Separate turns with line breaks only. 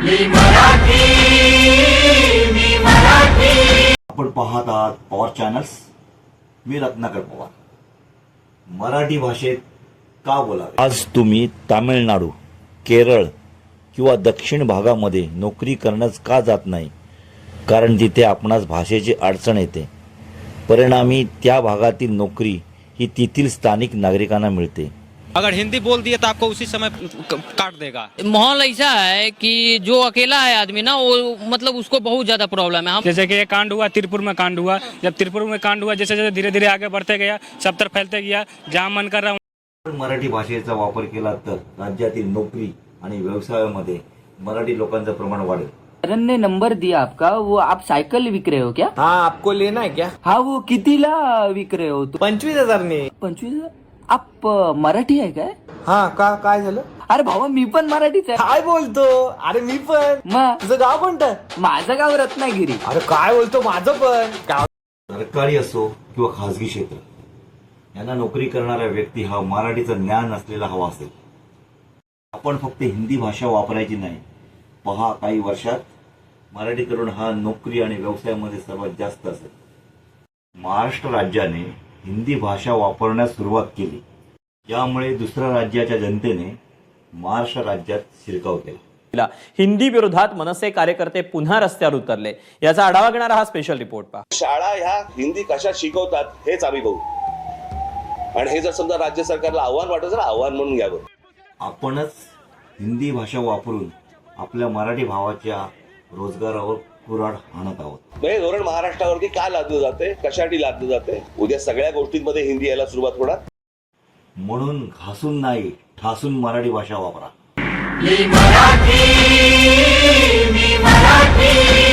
आपण पाहत आहात पॉवर चॅनल्स. मी रत्नाकर पवार. मराठी भाषेत का बोलावे? आज तुम्ही तामिळनाडू, केरळ किंवा दक्षिण भागामध्ये नोकरी करण्यास का जात नाही? कारण तिथे आपणास भाषेची अडचण येते. परिणामी त्या भागातील नोकरी ही तेथील स्थानिक नागरिकांना मिळते.
अगर हिंदी बोल दिए तो आपको उसी समय काट देगा।
माहौल ऐसा है कि जो अकेला है आदमी ना, वो मतलब उसको बहुत ज्यादा प्रॉब्लम है।
जैसे कि ये कांड हुआ, तिरुपुर में कांड हुआ. जब तिरुपुर में कांड हुआ, जैसे जैसे धीरे धीरे आगे बढ़ते गया, सब तरफ फैलते गया. जहाँ मन कर रहा
मराठी भाषेचा वापर केला तर राज्यातील नोकरी आणि व्यवसायामध्ये मराठी लोकांचं प्रमाण वाढेल.
करण ने नंबर दिया आपका. वो आप साइकिल विक रहे हो क्या?
हाँ, आपको लेना है क्या?
हाँ, वो कितीला विक रहे हो?
25,000 ने.
25,000? आप मराठी आहे काय?
हा का काय झालं?
अरे भावा, मी पण मराठीच आहे.
काय बोलतो? अरे मी पण.
मग
तुझं गाव कोणतं?
माझं गाव रत्नागिरी.
अरे काय बोलतो? माझं पण गाव.
सरकारी असो किंवा खासगी क्षेत्र, यांना नोकरी करणारा व्यक्ती हा मराठीचं ज्ञान असलेला हवा असेल. आपण फक्त हिंदी भाषा वापरायची नाही. पहा, काही वर्षात मराठी तरुण हा नोकरी आणि व्यवसायामध्ये सर्वात जास्त असेल. महाराष्ट्र राज्याने हिंदी भाषा वापरण्यास सुरुवात केली. यामुळे दुसऱ्या राज्याच्या जनतेने महाराष्ट्र राज्यात शिरकाव केला.
हिंदी विरोधात मनसे कार्यकर्ते पुन्हा रस्त्यावर उतरले. याचा आढावा घेणारा हा स्पेशल रिपोर्ट पहा.
शाळा ह्या हिंदी कशा शिकवतात हेच आम्ही बघू. आणि हे जर समजा राज्य सरकारला आव्हान वाटत तर आव्हान म्हणून घ्यावं.
आपणच हिंदी भाषा वापरून आपल्या मराठी भावाच्या रोजगारावर कुऱ्हाड हाणत आहोत.
हे धोरण महाराष्ट्रावरती का लादलं जाते, कशासाठी लादलं जाते? उद्या सगळ्या गोष्टींमध्ये हिंदी यायला सुरुवात होणार.
म्हणून घासून नाही, ठासून मराठी भाषा वापरा.